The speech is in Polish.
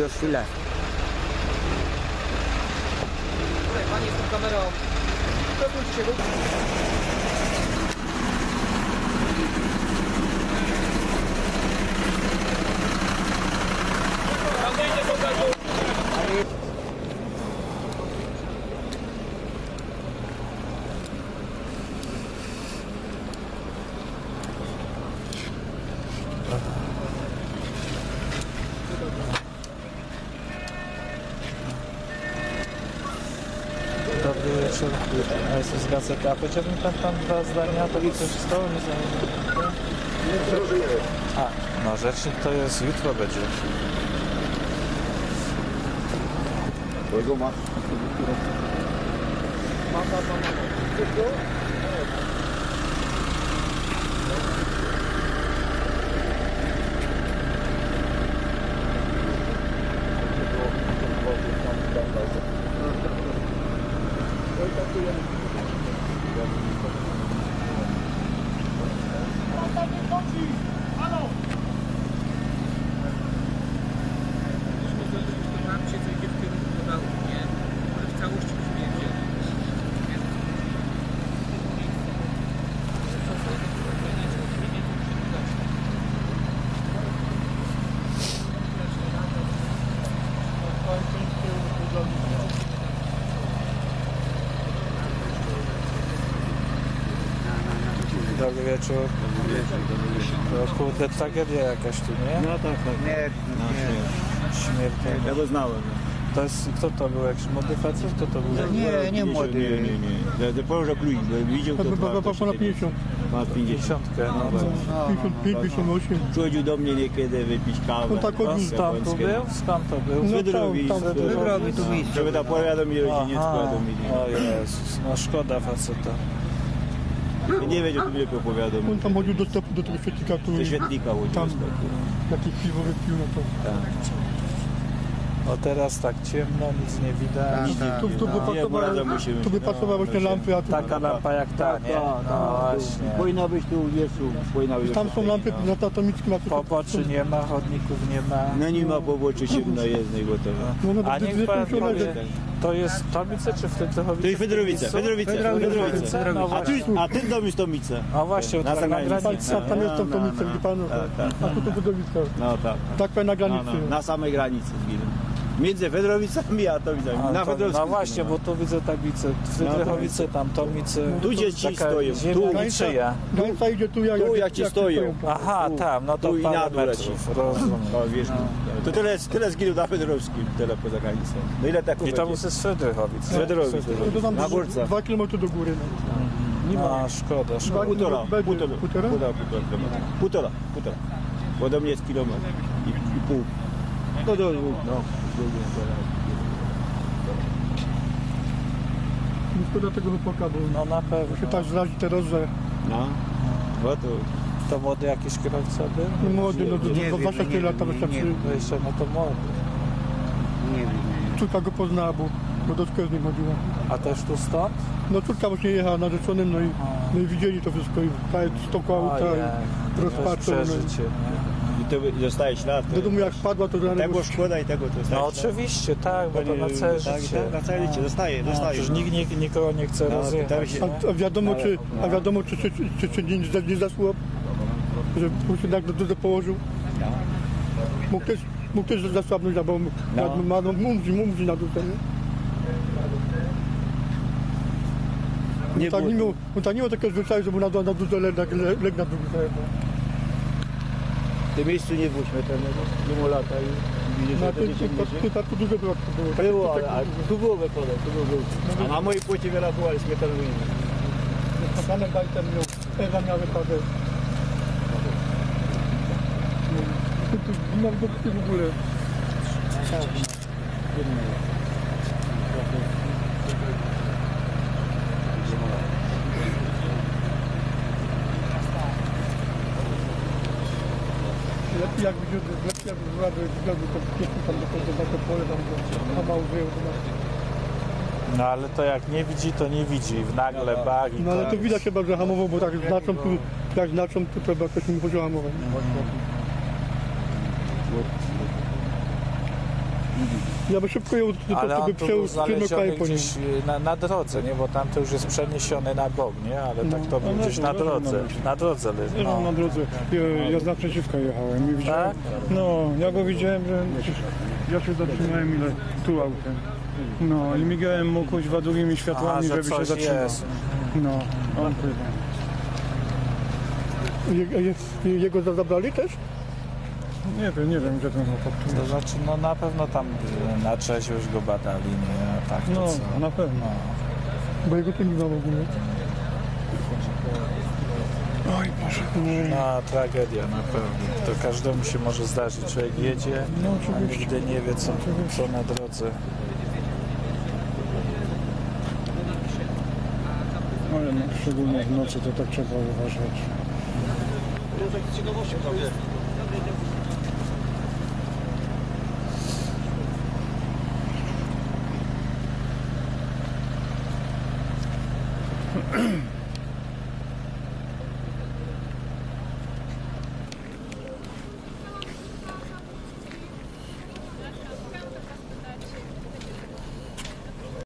już chwilę. Panie z tą kamerą, przepuśćcie się. Dobry wieczór, a jest z gazety. A powiedziałbym tam dwa zdania, to coś stało, nie znam. A, no rzecznik to jest, jutro będzie. Kogo ma? Dobry wieczór. To kurde, tragedia jakaś tu, nie? No tak. Śmiertelna. Ja go znałem. To jest, kto to był? Jakiś młody facet? Kto to był? Nie młody. Nie. Ja Poloża Królik, widział to Ponad 50. Ma 50. 50, no. 55, 58. Przychodził do mnie niekiedy wypić kawę. On tak chodził. Skąd to był? Skąd to był? No Wydrowi. tam, Wydrowi tu miejsce. Żeby ta powiadomić rodziniecko, Aha. wiadomili. O Jezus, no szkoda faceta. Nie wiedział, to mnie powiadomił. On tam chodził do tego świetnika, który Do świetnika chodził. tam jakieś piwo wypił, no to... O teraz tak ciemno, nic nie widać. Tu by pasowały te lampy, a tu... Taka lampa jak ta, nie? No właśnie. Powinna być tu wiesu. Tam są lampy na Tatomickim, a tu... Poboczy nie ma, chodników nie ma. No nie ma poboczy ciemno jednej gotowe. No, A niech pan powie, to jest Tomice czy Wtedy-Chowice? To jest Fedrowice. No właśnie. A ten dom jest Tomice. A właśnie, Na to na zagranicy. granicy. Tam jest tą Tomicę, widzi pan? A tu to Wydowiska. No tak. Tak powiem na granicy. Na samej granicy zginął. Między Fedrowicami a Tomicami. Na Fedrowicach. No właśnie, bo tu widzę tablicę. Wtedy-Chowice, tam Tomice. Tu dzieci Taka stoją. ziemia niczyja. Granica idzie tu, jak ci stoją. Aha, tam, no to Tu i na parę dół metrów, rozumiem. O, wiesz, to tyle zginął na Fedrowskim, tyle poza granicą. No ile tak I to był ze Wtedy-Chowic. Fedrowic. To tam Na górce. 2 km do góry. A, szkoda, szkoda. Półtora Półtora? kilometra. Półtora. Bo do mnie jest kilometr i pół. No do dwóch, no. Nie szkoda tego chłopaka, bo No na pewno. się tak zrazi teraz, że No. No to To młody jakiś kierowca był? no młody, no Nie wiem, 24 lata nie wystarczy. wiem. No jeszcze, no to młody. Nie wiem. Córka go poznała, bo do szkoły z nim chodziła. A też tu stąd? No córka właśnie jechała narzeczonym, no i widzieli to wszystko i stokła auta i rozpaczą. przeżycie, nie? i to zostaje ślad. Do domu jak wpadła, to Tego szkoda i tego to zostaje No ślad. oczywiście, tak, bo to na całe Tak, życie. tak, na całe życie, zostaje. Przecież nikt nikogo nie chce No, rozjechać. pytałem się- A wiadomo, czy nie zasło, że mu się tak dużo położył. Mógł też zasłabnąć, bo mumrzy na dół. Nie było. On tak nie miał takiego zwyczaju, że mu na dużo legł na drugi. W tym miejscu nie było śmiertelnego. Mimo lata i widzisz, że to nie przypadku dużo było. było, ale tu było wypadek, tu było. A na mojej płycie wiele było, ale śmiertelnego nie było. Panem Bajtem Ewa miał wypadek. Mam go w ogóle. Lepiej jak byłaby to pięknie tam do tego pole, tam mało wyjął. No ale to jak nie widzi, to nie widzi. W nagle bag i No ale to koniec. widać chyba, że hamował, bo tak znaczą tu, jak znaczą, to trzeba jakoś mi chodziło hamować. Ja by szybko ją Ale on tu był przemykali znaleziony po nim. gdzieś na drodze, nie? Bo tam to już jest przeniesiony na bok, nie? Ale tak to był no, gdzieś na drodze. Na drodze leży. No, No. na drodze. Ja z naprzeciwka jechałem i widziałem. Tak? No, ja go widziałem, że ja się zatrzymałem ile tu autem. No i migałem mu kuźwa drugimi światłami, Aha, że żeby się coś zatrzymał. jest. No, on chyba. Jego zabrali też? Nie wiem gdzie ten chłopak tu To jest. znaczy, no na pewno tam na trzeźwość go badali, nie? A tak to No, co? na pewno. No. Bo jego tu nie ma w ogóle. Oj Boże. No, tragedia na pewno. To każdemu się może zdarzyć. Człowiek jedzie, No, a oczywiście. nigdy nie wie, co na drodze. Ale no, szczególnie w nocy to tak trzeba uważać.